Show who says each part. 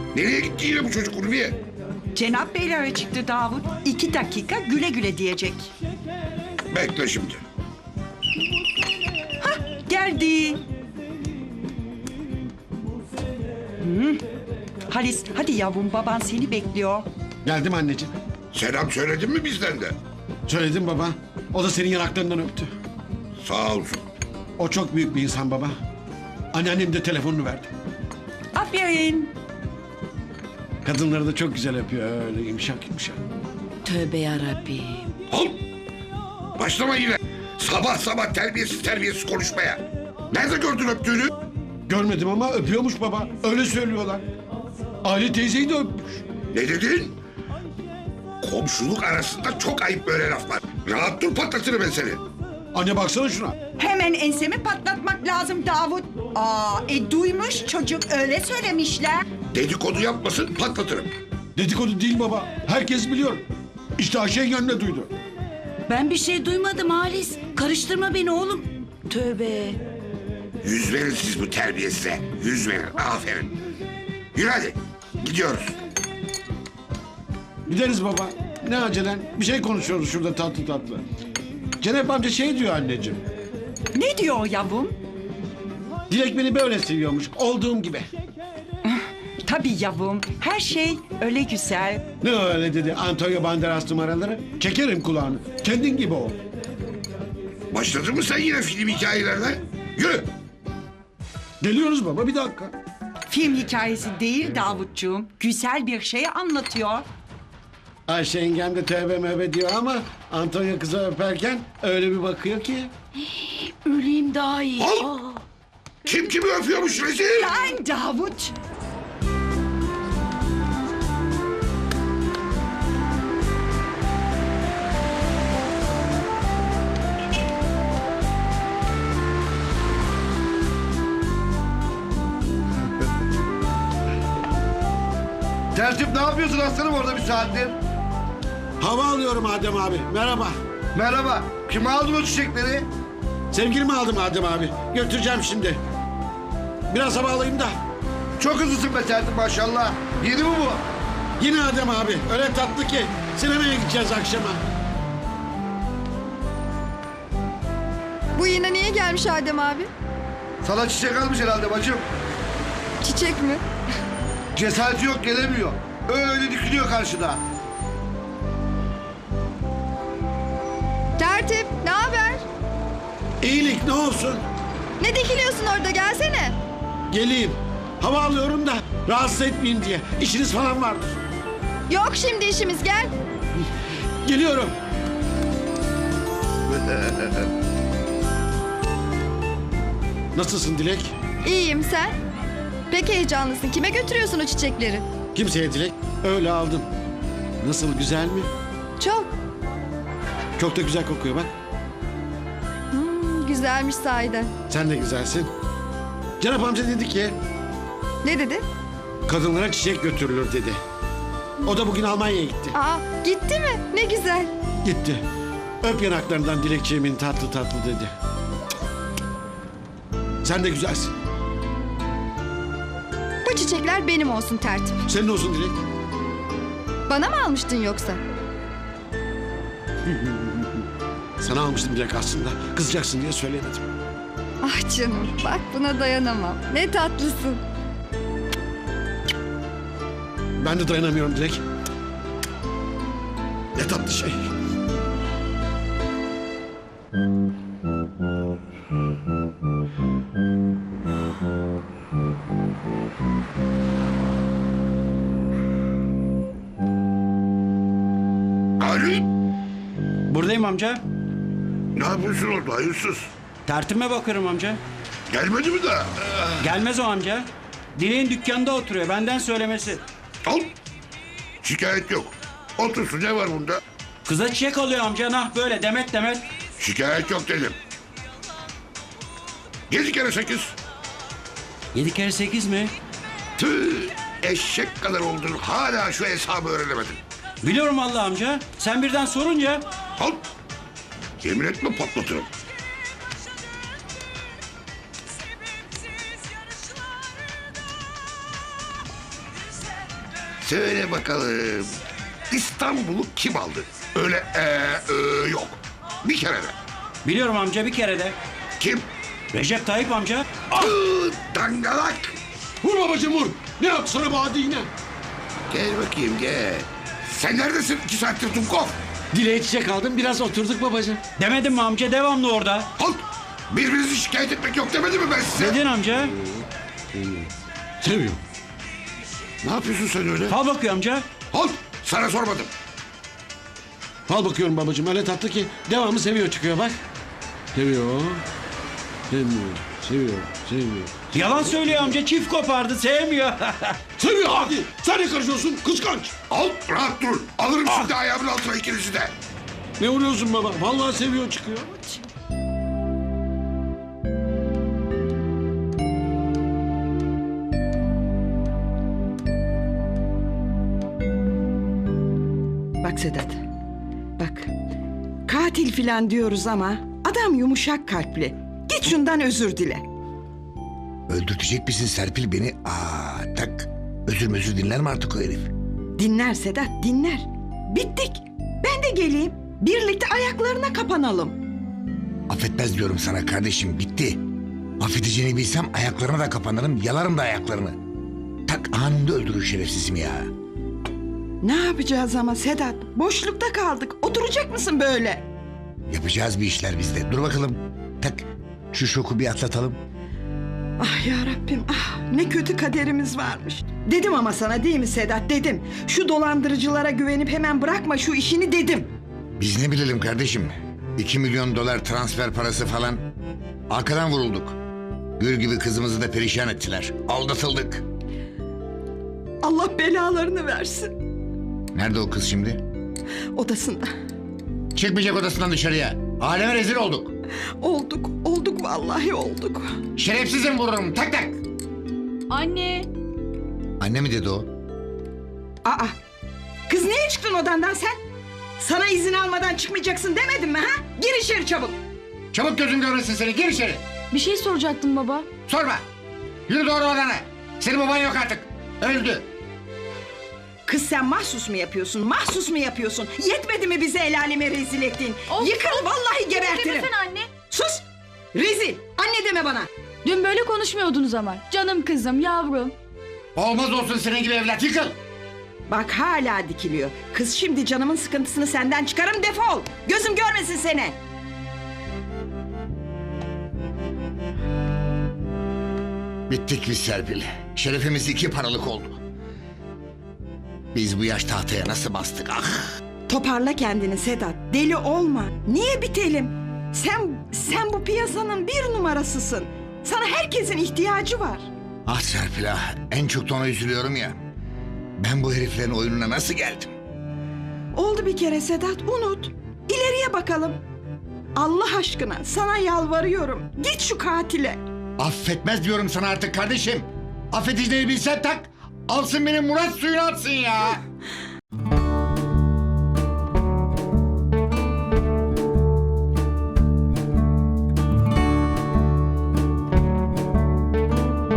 Speaker 1: Nereye gitti yine bu çocuk Ulviye?
Speaker 2: Cenap Beylere çıktı Davut. 2 dakika güle güle diyecek.
Speaker 1: Bekle şimdi.
Speaker 2: Geldi. Halis hadi yavrum, baban seni bekliyor.
Speaker 3: Geldim anneciğim.
Speaker 1: Selam söyledin mi bizden de?
Speaker 3: Söyledim baba. O da senin yanaklarından öptü.
Speaker 1: Sağ olsun.
Speaker 3: O çok büyük bir insan baba. Anneannem de telefonunu verdi.
Speaker 2: Aferin.
Speaker 3: Kadınları da çok güzel öpüyor öyle yumuşak yumuşak.
Speaker 4: Tövbe yarabbim.
Speaker 1: Al. Başlama yine. Sabah sabah terbiyesiz konuşmaya. Nerede gördün öptüğünü?
Speaker 3: Görmedim ama öpüyormuş baba. Öyle söylüyorlar. Ali teyzeyi de öpmüş.
Speaker 1: Ne dedin? Komşuluk arasında çok ayıp böyle laflar. Rahat dur, patlatırım ben seni.
Speaker 3: Anne baksana şuna.
Speaker 2: Hemen ensemi patlatmak lazım Davut. Duymuş çocuk, öyle söylemişler.
Speaker 1: Dedikodu yapmasın, patlatırım.
Speaker 3: Dedikodu değil baba. Herkes biliyor. İşte Ayşe yenge de duydu.
Speaker 4: Ben bir şey duymadım Halis. Karıştırma beni oğlum. Tövbe.
Speaker 1: Yüz verin siz bu terbiyesize. Yüz verin, aferin. Yürü hadi, gidiyoruz.
Speaker 3: Gideriz baba. Ne acelen? Bir şey konuşuyoruz şurada tatlı tatlı. Cenap amca şey diyor anneciğim.
Speaker 2: Ne diyor yavrum?
Speaker 3: Dilek beni böyle seviyormuş. Olduğum gibi.
Speaker 2: Tabii yavrum, her şey öyle güzel.
Speaker 3: Ne öyle dedi Antonio Banderas numaraları? Çekerim kulağını. Kendin gibi ol.
Speaker 1: Başladın mı sen yine film hikayelerine? Yürü.
Speaker 3: Geliyoruz baba bir dakika.
Speaker 2: Film hikayesi değil Davutcuğum, güzel bir şey anlatıyor.
Speaker 3: Ayşe yengem de tövbe mövbe diyor ama Antonio kızı öperken öyle bir bakıyor ki.
Speaker 4: Öleyim daha iyi.
Speaker 1: Al. Kim kimi öpüyormuş rezil?
Speaker 2: Lan Davut!
Speaker 5: Tertip ne yapıyorsun aslanım orada bir saattir?
Speaker 3: Hava alıyorum Adem abi. Merhaba.
Speaker 5: Merhaba. Kim aldı bu çiçekleri?
Speaker 3: Sevgilimi aldım Adem abi. Götüreceğim şimdi. Biraz hava alayım da.
Speaker 5: Çok hızlısın be Tertip maşallah. Yeni mi bu?
Speaker 3: Yine Adem abi. Öyle tatlı ki. Sinemaya gideceğiz akşama.
Speaker 6: Bu yine niye gelmiş Adem abi?
Speaker 5: Sana çiçek almış herhalde bacım.
Speaker 6: Çiçek mi?
Speaker 5: Cesareti yok gelemiyor. Öyle dikiliyor karşıda.
Speaker 6: Tertip, ne haber?
Speaker 3: İyilik ne olsun.
Speaker 6: Ne dikiliyorsun orada, gelsene.
Speaker 3: Geleyim. Hava alıyorum da rahatsız etmeyin diye. İşiniz falan vardır.
Speaker 6: Yok şimdi işimiz, gel.
Speaker 3: Geliyorum. Nasılsın Dilek?
Speaker 6: İyiyim, sen? Pek heyecanlısın. Kime götürüyorsun o çiçekleri?
Speaker 3: Kimseye Dilek. Öyle aldım. Nasıl güzel mi?
Speaker 6: Çok.
Speaker 3: Çok da güzel kokuyor bak.
Speaker 6: Güzelmiş sahiden.
Speaker 3: Sen de güzelsin. Cenap amca dedi ki
Speaker 6: Ne dedi?
Speaker 3: kadınlara çiçek götürülür dedi. O da bugün Almanya'ya gitti.
Speaker 6: Gitti mi? Ne güzel.
Speaker 3: Gitti. Öp yanaklarından Dilekçeğimin tatlı tatlı dedi. Sen de güzelsin.
Speaker 6: Bu çiçekler benim olsun Tertip.
Speaker 3: Senin olsun Dilek.
Speaker 6: Bana mı almıştın yoksa?
Speaker 3: Sana almıştım Dilek aslında. Kızacaksın diye söylemedim.
Speaker 6: Ah canım, bak buna dayanamam. Ne tatlısın.
Speaker 3: Ben de dayanamıyorum Dilek. Ne tatlı şey.
Speaker 1: Ali,
Speaker 7: Buradayım amca.
Speaker 1: ne yapıyorsun orada hayırsız?
Speaker 7: Tertime bakıyorum amca.
Speaker 1: Gelmedi mi daha?
Speaker 7: Gelmez o amca. Dileğin dükkanda oturuyor. Benden söylemesi.
Speaker 1: Al. Şikayet yok. Otursun, ne var bunda?
Speaker 7: Kıza çiçek alıyor amca. Nah böyle demet demet.
Speaker 1: Şikayet yok dedim. 7 kere 8.
Speaker 7: 7 kere 8 mi?
Speaker 1: Tüh, eşek kadar oldun. Hala şu hesabı öğrenemedin.
Speaker 7: Biliyorum vallahi amca. Sen birden sorunca.
Speaker 1: Al. Yemin etme, patlatırım. Söyle bakalım. İstanbul'u kim aldı? Öyle yok. Bir kere de.
Speaker 7: Biliyorum amca bir kere de.
Speaker 1: Kim?
Speaker 7: Recep Tayyip amca.
Speaker 1: Dangalak.
Speaker 3: Vur babacığım vur. Ne yaptı sana bu hadi yine?
Speaker 1: Gel bakayım gel. Sen neredesin 2 saattir Dumkov?
Speaker 3: Dileğe çiçek aldım biraz oturduk babacığım.
Speaker 7: Demedim mi amca devamlı orada.
Speaker 1: Halt! Birbirinizi şikayet etmek yok demedim mi ben size?
Speaker 7: Dedin amca.
Speaker 3: Seviyor.
Speaker 1: Ne yapıyorsun sen öyle?
Speaker 7: Fal bakıyor amca.
Speaker 1: Halt! Sana sormadım.
Speaker 3: Fal bakıyorum babacığım öyle tatlı ki devamı seviyor çıkıyor bak. Seviyor. Sevmiyor. Seviyor. Sevmiyor.
Speaker 7: Yalan söylüyor amca çift kopardı sevmiyor.
Speaker 3: Seviyor hadi. Sen ne karışıyorsun kıskanç.
Speaker 1: Al rahat dur. Alırım şimdi ayağımın altına ikinizi de.
Speaker 3: Ne vuruyorsun baba? Vallahi seviyor çıkıyor.
Speaker 2: Bak Sedat. Bak. Katil filan diyoruz ama adam yumuşak kalpli. Git şundan özür dile.
Speaker 8: Öldürtecek misin Serpil beni? Tak. Özür dinler mi artık o herif?
Speaker 2: Dinler Sedat dinler. Bittik. Ben de geleyim. Birlikte ayaklarına kapanalım.
Speaker 8: Affetmez diyorum sana kardeşim, bitti. Affedeceğini bilsem ayaklarına da kapanırım, yalarım da ayaklarını. Tak anında öldürür şerefsizimi ya.
Speaker 2: Ne yapacağız ama Sedat? Boşlukta kaldık. Oturacak mısın böyle?
Speaker 8: Yapacağız bir işler bizde. Dur bakalım. Tak şu şoku bir atlatalım.
Speaker 2: Ah ya Rabbim ah ne kötü kaderimiz varmış. Dedim ama sana değil mi Sedat dedim. Şu dolandırıcılara güvenip hemen bırakma şu işini dedim.
Speaker 8: Biz ne bilelim kardeşim. 2 milyon dolar transfer parası falan. Arkadan vurulduk. Gül gibi kızımızı da perişan ettiler. Aldatıldık.
Speaker 2: Allah belalarını versin.
Speaker 8: Nerede o kız şimdi?
Speaker 2: Odasında.
Speaker 8: Çıkmayacak odasından dışarıya. Aleme rezil olduk.
Speaker 2: Olduk vallahi olduk.
Speaker 8: Şerefsizim vururum. Tak tak.
Speaker 6: Anne.
Speaker 8: Anne mi dedi o?
Speaker 2: Aa kız niye çıktın odandan sen? Sana izin almadan çıkmayacaksın demedim mi ha? Gir içeri çabuk.
Speaker 8: Çabuk gözüm görmesin seni. Gir içeri.
Speaker 6: Bir şey soracaktım baba.
Speaker 8: Sorma. Yürü doğru odana. Senin baban yok artık. Öldü.
Speaker 2: Kız sen mahsus mu yapıyorsun? Mahsus mu yapıyorsun? Yetmedi mi bize el aleme rezil ettin? Yıkıl vallahi gebertirim.
Speaker 6: Demesene anne.
Speaker 2: Sus! Rezil! Anne deme bana!
Speaker 6: Dün böyle konuşmuyordunuz ama. Canım kızım, yavrum.
Speaker 8: Olmaz olsun senin gibi evlat. Yıkıl.
Speaker 2: Bak hala dikiliyor. Kız şimdi canımın sıkıntısını senden çıkarım defol! Gözüm görmesin seni!
Speaker 8: Bittik biz Serpil. Şerefimiz 2 paralık oldu. Biz bu yaş tahtaya nasıl bastık ah!
Speaker 2: Toparla kendini Sedat. Deli olma. Niye bitelim? Sen bu piyasanın 1 numarasısın. Sana herkesin ihtiyacı var.
Speaker 8: Ah Serpil ah! En çok da ona üzülüyorum ya. Ben bu heriflerin oyununa nasıl geldim?
Speaker 2: Oldu bir kere Sedat unut. İleriye bakalım. Allah aşkına sana yalvarıyorum. Git şu katile.
Speaker 8: Affetmez diyorum sana artık kardeşim. Affedeceğini bilsen tak. Alsın benim Murat suyunu atsın ya.